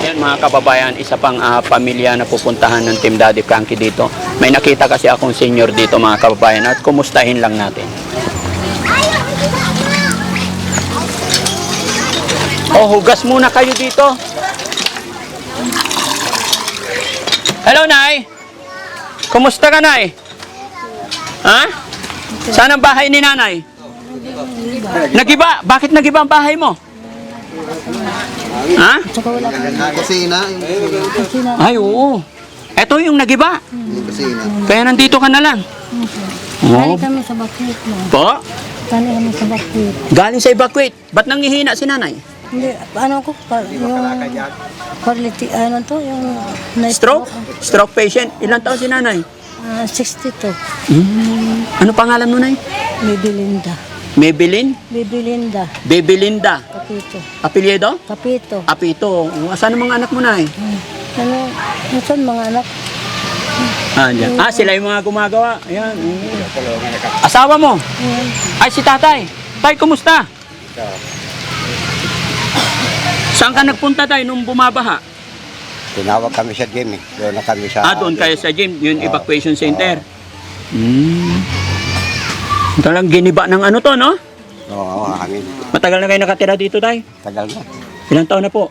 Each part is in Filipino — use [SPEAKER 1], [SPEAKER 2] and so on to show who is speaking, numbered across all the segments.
[SPEAKER 1] Ayan mga kababayan, isa pang pamilya na pupuntahan ng Team Daddy Frankie dito. May nakita kasi akong senior dito mga kababayan at kumustahin lang natin. Oh, hugas muna kayo dito. Hello, Nay. Kumusta ka, Nay? Ha? Saan ang bahay ni Nanay? Nagiba? Bakit nagiba ang bahay mo? Ha?
[SPEAKER 2] Kusina.
[SPEAKER 1] Ay, oo. Ito yung nagiba.
[SPEAKER 2] Kusina.
[SPEAKER 1] Kaya nandito ka na lang.
[SPEAKER 3] Galing kami sa Bakwit mo.
[SPEAKER 1] Po?
[SPEAKER 3] Galing kami sa Bakwit.
[SPEAKER 1] Galing sa evacuate. Ba't nanghihina si Nanay?
[SPEAKER 3] Hindi, ano ko, yung quality, ano to, yung
[SPEAKER 1] Stroke? Stroke patient. Ilang taon si Nanay?
[SPEAKER 3] 62.
[SPEAKER 1] Ano pangalan mo, Nay?
[SPEAKER 3] Baby Linda.
[SPEAKER 1] Maybelline?
[SPEAKER 3] Baby Linda.
[SPEAKER 1] Baby Linda.
[SPEAKER 3] Kapito.
[SPEAKER 1] Apelyido?
[SPEAKER 3] Kapito.
[SPEAKER 1] Apito. Saan ang mga anak mo, Nay?
[SPEAKER 3] Ano, saan mga anak?
[SPEAKER 1] Dyan. Sila yung mga gumagawa. Ayan. Asawa mo?
[SPEAKER 3] Ayan.
[SPEAKER 1] Ay, si tatay. Tay, kumusta? Saan ka nagpunta tayo nung bumabaha?
[SPEAKER 2] Tinawag kami sa gym eh. Doon na kami sa...
[SPEAKER 1] Doon kayo sa gym, yung evacuation center. Talang giniba ng ano to, no?
[SPEAKER 2] Oo, kami.
[SPEAKER 1] Matagal na kayo nakatira dito, tay?
[SPEAKER 2] Tagal na.
[SPEAKER 1] Ilang taon na po?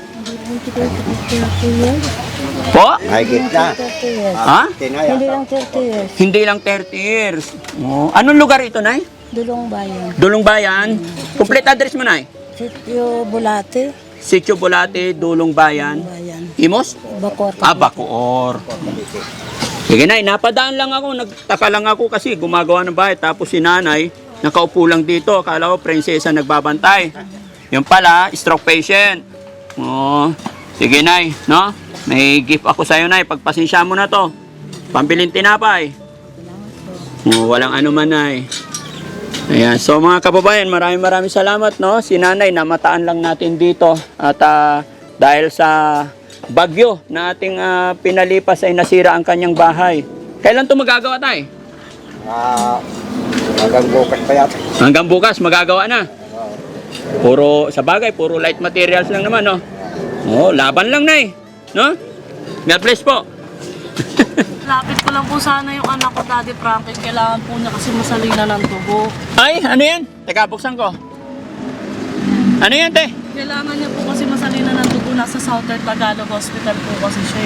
[SPEAKER 1] Po?
[SPEAKER 2] Mahigit na.
[SPEAKER 3] 30 years.
[SPEAKER 1] Ha?
[SPEAKER 2] Tinaya.
[SPEAKER 3] Hindi lang 30 years.
[SPEAKER 1] Hindi lang 30 years. Oh. Anong lugar ito, Nay?
[SPEAKER 3] Dulong Bayan.
[SPEAKER 1] Dulong Bayan. Complete address mo, Nay?
[SPEAKER 3] Sitio Bulate.
[SPEAKER 1] Sitio Bulate, Dulong Bayan.
[SPEAKER 3] Bayan.
[SPEAKER 1] Imos?
[SPEAKER 3] Bacor.
[SPEAKER 1] Bacoor. Sige, Nay, napadaan lang ako. Nagtaka lang ako kasi gumagawa ng bahay. Tapos si Nanay, nakaupo lang dito. Akala ko, prinsesa nagbabantay. Yung pala, stroke patient. Oh, sige, Nay, no? May gift ako sa'yo, Nay. Pagpasensya mo na to. Pambilin tinapay. Oh, walang ano man, Nay. Ayan. So, mga kababayan, maraming salamat, no? Si Nanay, namataan lang natin dito. At dahil sa bagyo na ating pinalipas ay nasira ang kanyang bahay. Kailan ito magagawa, Tay?
[SPEAKER 2] Hanggang bukas pa yata.
[SPEAKER 1] Hanggang bukas, magagawa na. Puro, sa bagay, puro light materials lang naman, no? Oh, laban lang, Nay. No? God bless po.
[SPEAKER 4] Lapit ko lang po sana yung anak ko, Daddy Frankie. Kailangan po niya kasi masalina ng dugo.
[SPEAKER 1] Ay, ano yan? Teka, buksan ko. Ano yan, te?
[SPEAKER 4] Kailangan niya po kasi masalina ng dugo. Nasa Southern Tagalog Hospital po kasi siya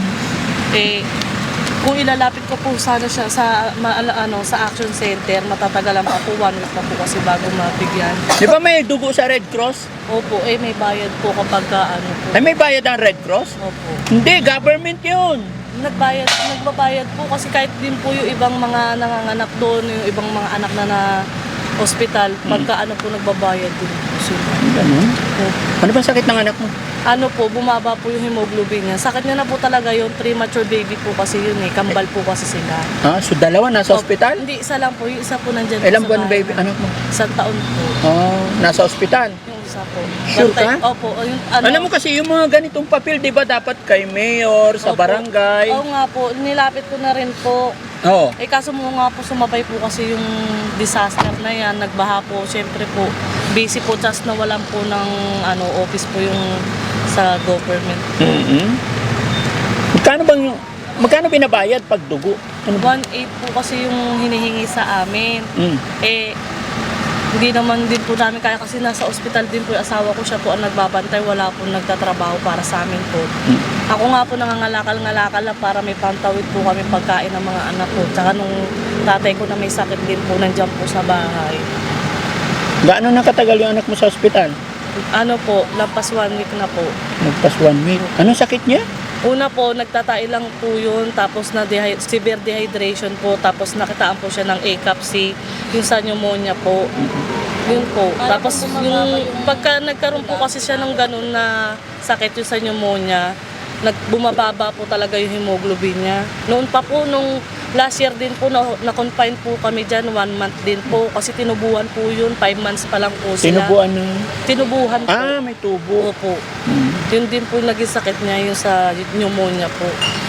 [SPEAKER 4] kung ilalapit ko po sana siya sa sa Action Center, matatagalan pa po, 1 week pa po kasi bago mabigyan.
[SPEAKER 1] Di ba may dugo sa Red Cross?
[SPEAKER 4] Opo, may bayad po kapag po.
[SPEAKER 1] Ay, may bayad ang Red Cross?
[SPEAKER 4] Opo.
[SPEAKER 1] Hindi, government yun.
[SPEAKER 4] Nagbabayad po kasi kahit din po yung ibang mga nanganganak doon, yung ibang mga anak na hospital, pagka po nagbabayad din po sila.
[SPEAKER 1] Ganun?
[SPEAKER 4] Opo.
[SPEAKER 1] Ano ba sakit ng anak mo?
[SPEAKER 4] Bumaba po yung hemoglobin niya. Sakit niya na po talaga yung premature baby po kasi yun kambal po kasi sila.
[SPEAKER 1] So dalawa nasa ospital?
[SPEAKER 4] Hindi, isa lang po. Yung isa po nandyan
[SPEAKER 1] Ilang
[SPEAKER 4] po sa
[SPEAKER 1] buwan
[SPEAKER 4] bahay.
[SPEAKER 1] baby anak mo?
[SPEAKER 4] 1 taon po.
[SPEAKER 1] Nasa ospital.
[SPEAKER 4] Yung isa po.
[SPEAKER 1] Sure ka?
[SPEAKER 4] Opo. Yung,
[SPEAKER 1] Alam mo kasi yung mga ganitong papel, di ba dapat kay mayor, sa
[SPEAKER 4] Opo.
[SPEAKER 1] barangay?
[SPEAKER 4] Oo nga po. Nilapit ko na rin po.
[SPEAKER 1] Oo.
[SPEAKER 4] Kaso mo nga po sumabay po kasi yung disaster na yan. Nagbaha po. Siyempre po, busy po. Just na walang po ng office po yung sa government.
[SPEAKER 1] Magkano binabayad pag dugo? Ano ba?
[SPEAKER 4] 1.8 po kasi yung hinihingi sa amin.
[SPEAKER 1] Mm.
[SPEAKER 4] Hindi naman din po namin kaya kasi nasa ospital din po yung asawa ko, siya po ang nagbabantay, wala po nagtatrabaho para sa amin po. Ako nga po nangangalakal-ngalakal lang para may pantawid po kami pagkain ng mga anak ko. Tsaka nung tatay ko na may sakit din po, nandiyan po sa bahay.
[SPEAKER 1] Gaano nakatagal yung anak mo sa ospital?
[SPEAKER 4] Lampas 1 week na po.
[SPEAKER 1] Nagpas 1 week. Anong sakit niya?
[SPEAKER 4] Una po, nagtatay lang po yun, tapos severe dehydration po, tapos nakitaan po siya ng ACAPC, yung sa pneumonia po. Yun po. Tapos yung pagka nagkaroon po kasi siya ng ganun na sakit yung sa pneumonia, bumababa po talaga yung hemoglobin niya. Noon pa po, nung last year din po, na-confine po kami dyan, 1 month din po. Kasi tinubuhan po yun, 5 months pa lang po sila.
[SPEAKER 1] Tinubuan ng...
[SPEAKER 4] Tinubuhan po.
[SPEAKER 1] may tubo.
[SPEAKER 4] Opo. Yun din po naging sakit niya, yung sa pneumonia po.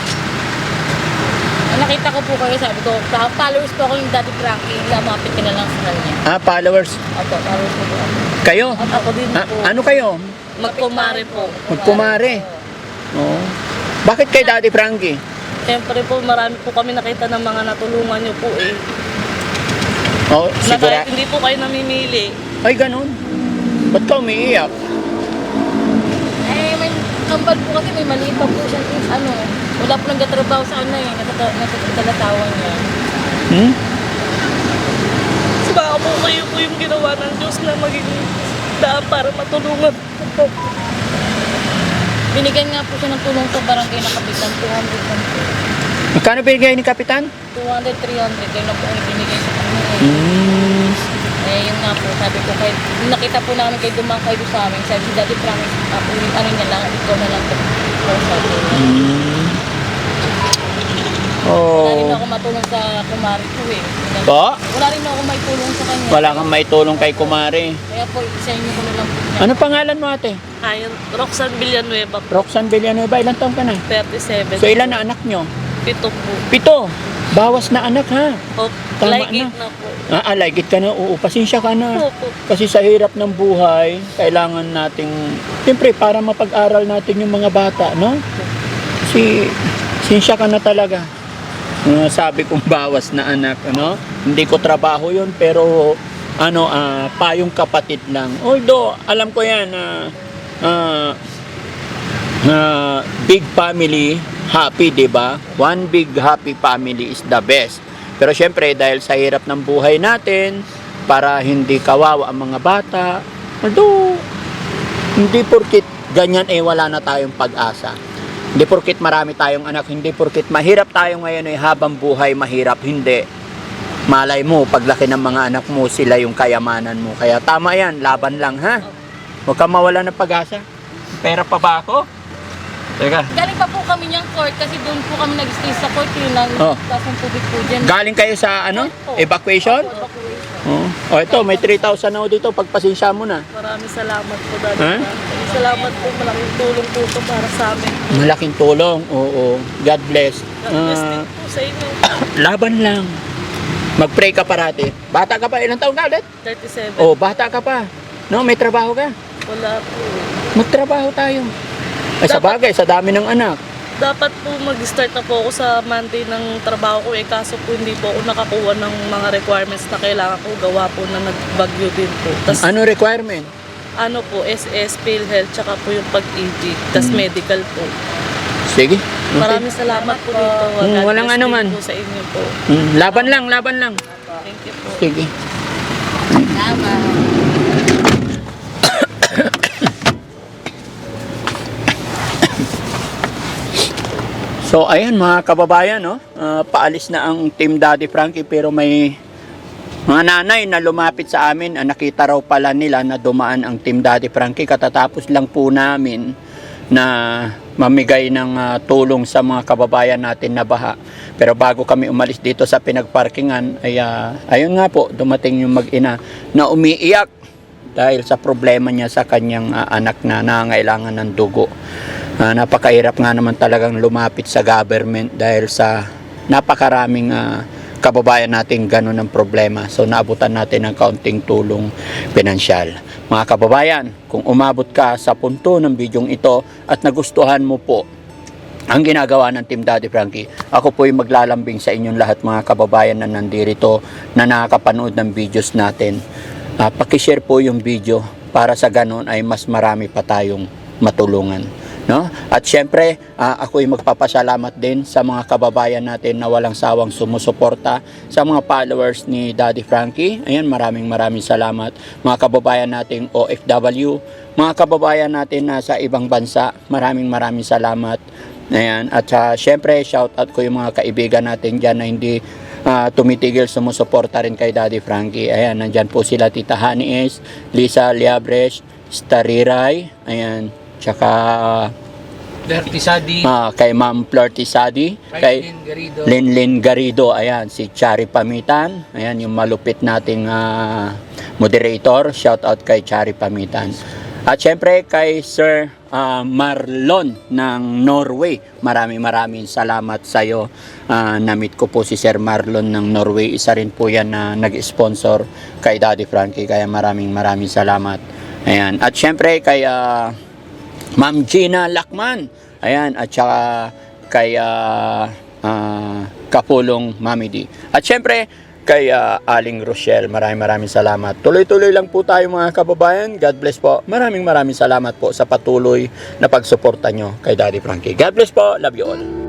[SPEAKER 5] Nakita ko po kayo, sabi ko, followers po ako yung Daddy Frankie, lamapit ka na lang sa kanya.
[SPEAKER 1] Followers.
[SPEAKER 5] Opo, followers po ako.
[SPEAKER 1] Kayo?
[SPEAKER 4] Ako din po.
[SPEAKER 1] Ano kayo?
[SPEAKER 4] Magkumare po.
[SPEAKER 1] Magkumare. Oo. Bakit kay Daddy Frankie?
[SPEAKER 4] Siyempre po, marami po kami nakita ng mga natulungan niyo po eh.
[SPEAKER 1] Oh,
[SPEAKER 4] Na
[SPEAKER 1] sigura.
[SPEAKER 4] kahit hindi po kayo namimili.
[SPEAKER 1] Ay, ganun. Ba't ka umiiyak?
[SPEAKER 5] Eh, may kambal po kasi may maliit pa po siya. Wala po nagtatrabaho sa ano eh. Natatawa niya.
[SPEAKER 1] Hmm?
[SPEAKER 4] So baka po kayo po yung ginawa ng Diyos na maging daan para matulungan po.
[SPEAKER 5] Binigyan nga po siya ng tulong sa barangay na kapitan. 200 lang po.
[SPEAKER 1] Magkano binigay ni Kapitan?
[SPEAKER 5] 200, 300. Kaya na po ang ibinigay sa kanya.
[SPEAKER 1] Hmm.
[SPEAKER 5] Eh, yun nga po, sabi ko, kahit nakita po namin kayo dumangkay doon sa amin, sabi si Daddy Frankie, ano niya lang, ikaw na lang po. Sabi niya.
[SPEAKER 1] Hmm.
[SPEAKER 5] Wala rin
[SPEAKER 1] Oh.
[SPEAKER 5] ako matulong sa kumari ko eh.
[SPEAKER 1] Po?
[SPEAKER 5] Wala rin ako may tulong sa kanya.
[SPEAKER 1] Wala kang maitulong kay Kumare.
[SPEAKER 5] Kaya po, isa inyo ko na lang po niya.
[SPEAKER 1] Ano pangalan mo, ate?
[SPEAKER 4] Ayun, Roxanne Villanueva po,
[SPEAKER 1] Roxanne Villanueva. Ilan taon ka na?
[SPEAKER 4] 37.
[SPEAKER 1] So, ilan na anak nyo?
[SPEAKER 4] 7 po.
[SPEAKER 1] 7. Bawas na anak, ha?
[SPEAKER 4] O,
[SPEAKER 1] Tama
[SPEAKER 4] like
[SPEAKER 1] na.
[SPEAKER 4] it na po.
[SPEAKER 1] Like it ka na. Oo, pasensya ka na.
[SPEAKER 4] Opo.
[SPEAKER 1] Kasi sa hirap ng buhay, kailangan nating, siyempre, para mapag-aral natin yung mga bata, no? Kasi, pasensya ka na talaga. Sabi kong bawas na anak, ano? Hindi ko trabaho yun, pero, payong kapatid lang. Although, alam ko yan, big family, happy, di ba? One big happy family is the best. Pero syempre, dahil sa hirap ng buhay natin, para hindi kawawa ang mga bata, although, hindi porkit ganyan wala na tayong pag-asa. Hindi porkit marami tayong anak, hindi porkit mahirap tayo ngayon habang buhay mahirap, hindi. Malay mo, paglaki ng mga anak mo, sila yung kayamanan mo. Kaya tama yan, laban lang, ha? Huwag kang mawala ng pag-asa. Pera pa ba ako? Teka.
[SPEAKER 5] Galing pa po kami niyang court kasi doon po kami nag-stay sa court yun lang.
[SPEAKER 1] Oh.
[SPEAKER 5] Tapos ang tubig po dyan.
[SPEAKER 1] Galing kayo sa evacuation? Oh, ito, may 3,000 na dito. Pagpasensya mo na.
[SPEAKER 4] Maraming salamat po, Daddy.
[SPEAKER 1] Ha?
[SPEAKER 4] Maraming salamat po. Malaking tulong po ito para sa amin.
[SPEAKER 1] Malaking tulong. Oo. God bless.
[SPEAKER 4] God bless din po sa inyo.
[SPEAKER 1] Laban lang. Mag-pray ka parati. Bata ka pa. Ilang taon ka ulit?
[SPEAKER 4] 37.
[SPEAKER 1] Oh, bata ka pa. No, may trabaho ka.
[SPEAKER 4] Wala po.
[SPEAKER 1] Magtrabaho tayo. Ay, sa bagay, sa dami ng anak.
[SPEAKER 4] Dapat po mag-start na po ako sa Monday ng trabaho ko kaso po hindi po ako nakakuha ng mga requirements na kailangan ko gawa po na nagbagyo din po. Tas,
[SPEAKER 1] Ano requirement?
[SPEAKER 4] ano po, SS, PhilHealth, tsaka po yung pag-ED, tas medical po.
[SPEAKER 1] Sige. Okay.
[SPEAKER 4] Maraming salamat po dito. God
[SPEAKER 1] walang
[SPEAKER 4] bless
[SPEAKER 1] ano
[SPEAKER 4] din
[SPEAKER 1] man.
[SPEAKER 4] po sa inyo po.
[SPEAKER 1] Laban lang, laban lang.
[SPEAKER 4] Thank you po.
[SPEAKER 1] Sige.
[SPEAKER 5] Tama.
[SPEAKER 1] So ayan mga kababayan, no? Paalis na ang Team Daddy Frankie pero may mga nanay na lumapit sa amin, nakita raw pala nila na dumaan ang Team Daddy Frankie. Katatapos lang po namin na mamigay ng tulong sa mga kababayan natin na baha. Pero bago kami umalis dito sa pinagparkingan, ay ayun nga po, dumating yung mag-ina na umiiyak dahil sa problema niya sa kanyang anak na nangailangan ng dugo. Napakahirap nga naman talagang lumapit sa government dahil sa napakaraming kababayan natin ganun ang problema. So naabutan natin ng kaunting tulong pinansyal. Mga kababayan, kung umabot ka sa punto ng bidyong ito at nagustuhan mo po ang ginagawa ng Team Daddy Frankie, ako po ay maglalambing sa inyong lahat mga kababayan na nandirito na nakakapanood ng videos natin. Pakishare po yung video para sa ganun ay mas marami pa tayong matulungan. No? At syempre, ako ay magpapasalamat din sa mga kababayan natin na walang sawang sumusuporta sa mga followers ni Daddy Frankie. Ayan, maraming salamat. Mga kababayan nating OFW, mga kababayan natin na sa ibang bansa, maraming salamat. Ayan, at syempre, shout out ko yung mga kaibigan natin dyan na hindi tumitigil sumusuporta rin kay Daddy Frankie. Ayan, nandyan po sila Tita Honey S, Lisa Liabres, Stariray, ayan, tsaka
[SPEAKER 6] Tisadi,
[SPEAKER 1] kay Ma'am Tisadi, kay Linlin Garrido, ayan, si Chari Pamitan, ayan, yung malupit nating moderator, shout out kay Chari Pamitan. At syempre kay Sir Marlon ng Norway, maraming salamat sa iyo. Na-meet ko po si Sir Marlon ng Norway, isa rin po yan na nag-sponsor kay Daddy Frankie, kaya maraming salamat. Ayan. At syempre kay Ma'am Gina Lakman. Ayan, at saka kay Kapulong Mami D. At syempre, kay Aling Rochelle, maraming salamat. Tuloy-tuloy lang po tayo mga kababayan. God bless po. Maraming salamat po sa patuloy na pagsuporta nyo kay Daddy Frankie. God bless po. Love you all.